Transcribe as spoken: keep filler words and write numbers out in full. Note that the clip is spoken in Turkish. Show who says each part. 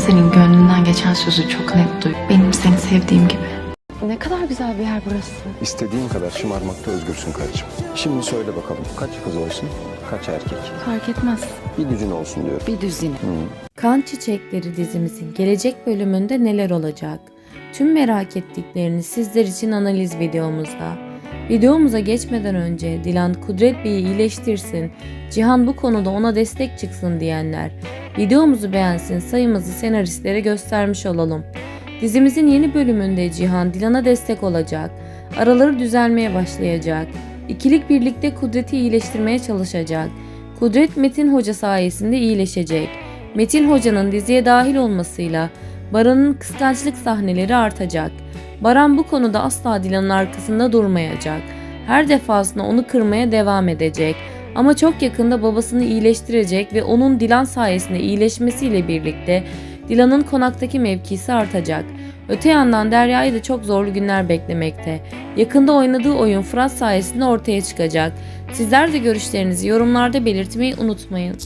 Speaker 1: senin gönlünden geçen sözü çok net duy. Benim seni sevdiğim gibi.
Speaker 2: Ne kadar güzel bir yer burası.
Speaker 3: İstediğin kadar şımarmakta özgürsün karıcığım. Şimdi söyle bakalım, kaç kız olsun, kaç erkek?
Speaker 2: Fark etmez.
Speaker 3: Bir düzine olsun diyorum.
Speaker 2: Bir düzine.
Speaker 4: Kan Çiçekleri dizimizin gelecek bölümünde neler olacak? Tüm merak ettiklerini sizler için analiz videomuzda. Videomuza geçmeden önce Dilan Kudret Bey'i iyileştirsin, Cihan bu konuda ona destek çıksın diyenler, videomuzu beğensin, sayımızı senaristlere göstermiş olalım. Dizimizin yeni bölümünde Cihan Dilan'a destek olacak, araları düzelmeye başlayacak, ikilik birlikte Kudret'i iyileştirmeye çalışacak. Kudret Metin Hoca sayesinde iyileşecek. Metin Hoca'nın diziye dahil olmasıyla Baran'ın kıskançlık sahneleri artacak. Baran bu konuda asla Dilan'ın arkasında durmayacak. Her defasında onu kırmaya devam edecek. Ama çok yakında babasını iyileştirecek ve onun Dilan sayesinde iyileşmesiyle birlikte Dilan'ın konaktaki mevkisi artacak. Öte yandan Derya'yı da çok zorlu günler beklemekte. Yakında oynadığı oyun Fırat sayesinde ortaya çıkacak. Sizler de görüşlerinizi yorumlarda belirtmeyi unutmayın.